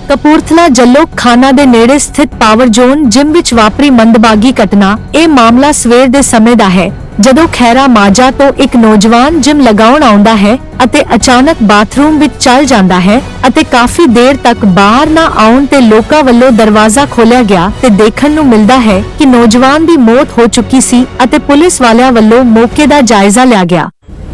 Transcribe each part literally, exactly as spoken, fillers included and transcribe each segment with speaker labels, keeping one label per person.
Speaker 1: ਕਪੂਰਥਲਾ ਜੱਲੋ ਖਾਨਾ ਦੇ ਨੇੜੇ ਸਥਿਤ ਪਾਵਰ ਜ਼ੋਨ ਜਿਮ ਵਿੱਚ ਵਾਪਰੀ ਮੰਦਭਾਗੀ ਘਟਨਾ। ਇਹ ਮਾਮਲਾ ਸਵੇਰ ਦੇ ਸਮੇਂ ਦਾ ਹੈ, ਜਦੋਂ ਖੈਰਾ ਮਾਜਾ ਤੋਂ ਇੱਕ ਨੌਜਵਾਨ ਜਿਮ ਲਗਾਉਣ ਆਉਂਦਾ ਹੈ ਅਤੇ ਅਚਾਨਕ ਬਾਥਰੂਮ ਵਿੱਚ ਚਲ ਜਾਂਦਾ ਹੈ ਅਤੇ ਕਾਫੀ ਦੇਰ ਤੱਕ ਬਾਹਰ ਨਾ ਆਉਣ ਤੇ ਲੋਕਾਂ ਵੱਲੋਂ ਦਰਵਾਜ਼ਾ ਖੋਲ੍ਹਿਆ ਗਿਆ ਤੇ ਦੇਖਣ ਨੂੰ ਮਿਲਦਾ ਹੈ ਕਿ ਨੌਜਵਾਨ ਦੀ ਮੌਤ ਹੋ ਚੁੱਕੀ ਸੀ ਅਤੇ ਪੁਲਿਸ ਵਾਲਿਆਂ ਵੱਲੋਂ ਮੌਕੇ ਦਾ ਜਾਇਜ਼ਾ ਲਿਆ ਗਿਆ।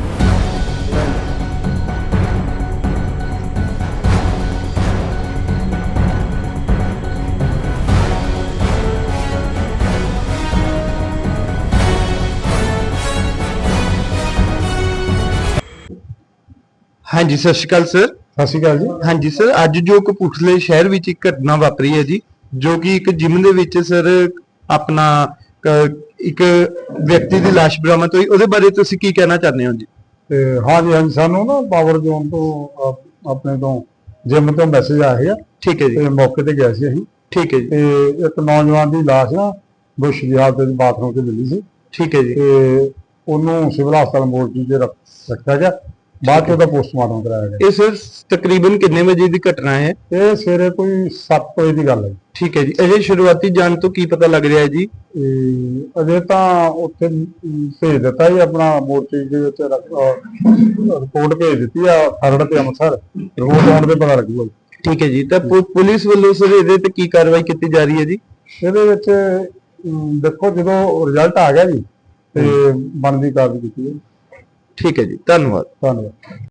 Speaker 2: हाँ जी, सत श्री अकाल सर।
Speaker 3: ਸਤਿ ਸ਼੍ਰੀ ਅਕਾਲ ਜੀ।
Speaker 2: हाँ जी सर, ਅੱਜ ਜੋ ਕਪੂਰਥਲੇ ਸ਼ਹਿਰ ਵਿੱਚ ਇੱਕ ਘਟਨਾ ਵਾਪਰੀ ਹੈ ਜੀ, ਜੋ ਕਿ ਇੱਕ ਜਿਮ ਦੇ ਵਿੱਚ ਸਰ ਆਪਣਾ ਇੱਕ ਵਿਅਕਤੀ ਦੀ ਲਾਸ਼ ਬਰਾਮਦ ਹੋਈ। ਉਹਦੇ ਬਾਰੇ ਤੁਸੀਂ ਕੀ ਕਹਿਣਾ ਚਾਹੁੰਦੇ ਹੋ ਜੀ?
Speaker 3: ਤੇ ਹਾਂਜੀ ਹਾਂਜੀ ਸਾਨੂੰ ਨਾ ਪਾਵਰ ਜ਼ੋਨ ਤੋਂ ਅਹ, ਆਪਣੇ ਤੋਂ ਜਿਮ ਤੋਂ ਮੈਸੇਜ ਆਇਆ ਹੈ।
Speaker 2: ਠੀਕ ਹੈ ਜੀ।
Speaker 3: ਤੇ ਮੌਕੇ ਤੇ ਗਏ ਸੀ ਅਸੀਂ।
Speaker 2: ਠੀਕ ਹੈ ਜੀ।
Speaker 3: ਤੇ ਇੱਕ ਨੌਜਵਾਨ ਦੀ ਲਾਸ਼ ਨਾ ਬੁਸ਼ ਦੀ ਹਾਲਤ ਵਿੱਚ ਬਾਥਰੂਮ 'ਚ ਮਿਲੀ ਸੀ।
Speaker 2: ਠੀਕ ਹੈ ਜੀ।
Speaker 3: ਤੇ ਉਹਨੂੰ ਸਿਵਲ ਹਸਪਤਾਲ ਮੋਰਚੀ 'ਚ ਰੱਖ ਰੱਖਿਆ ਗਿਆ, ਬਾਅਦ 'ਚ ਉਹਦਾ ਪੋਸਟਮਾਰਟਮ ਕਰਾਇਆ ਗਿਆ।
Speaker 2: ਇਹ ਸਰ ਤਕਰੀਬਨ ਕਿੰਨੇ ਵਜੇ ਦੀ ਘਟਨਾ ਹੈ?
Speaker 3: ਇਹ ਸਵੇਰੇ ਕੋਈ ਸੱਤ ਵਜੇ ਦੀ ਗੱਲ ਹੈ।
Speaker 2: ਠੀਕ ਹੈ ਜੀ। ਅਜੇ ਸ਼ੁਰੂਆਤੀ ਜਾਣ ਤੋਂ ਕੀ ਪਤਾ ਲੱਗ ਰਿਹਾ ਹੈ ਜੀ?
Speaker 3: ਤੇ ਅਜੇ ਤਾਂ ਉੱਥੇ ਭੇਜ ਦਿੱਤਾ ਜੀ, ਆਪਣਾ ਮੋਰਚੀ ਦੇ ਵਿੱਚ ਰਿਪੋਰਟ ਭੇਜ ਦਿੱਤੀ ਆ ਖਰੜ ਤੇ ਅੰਮ੍ਰਿਤਸਰ। ਰਿਪੋਰਟ ਆਉਣ ਤੇ ਪਤਾ ਲੱਗੂਗਾ।
Speaker 2: ਠੀਕ ਹੈ ਜੀ। ਤਾਂ ਪੁ- ਪੁਲਿਸ ਵੱਲੋਂ ਸਰ ਇਹਦੇ ਤੇ ਕੀ ਕਾਰਵਾਈ ਕੀਤੀ ਜਾ ਰਹੀ ਹੈ ਜੀ?
Speaker 3: ਇਹਦੇ ਵਿੱਚ ਅਮ, ਦੇਖੋ ਜਦੋਂ ਰਿਜ਼ਲਟ ਆ ਗਿਆ ਜੀ ਤੇ ਬਣਦੀ ਕਾਰਵਾਈ ਕੀਤੀ ਹੈ।
Speaker 2: ਠੀਕ ਹੈ ਜੀ, ਧੰਨਵਾਦ।
Speaker 3: ਧੰਨਵਾਦ।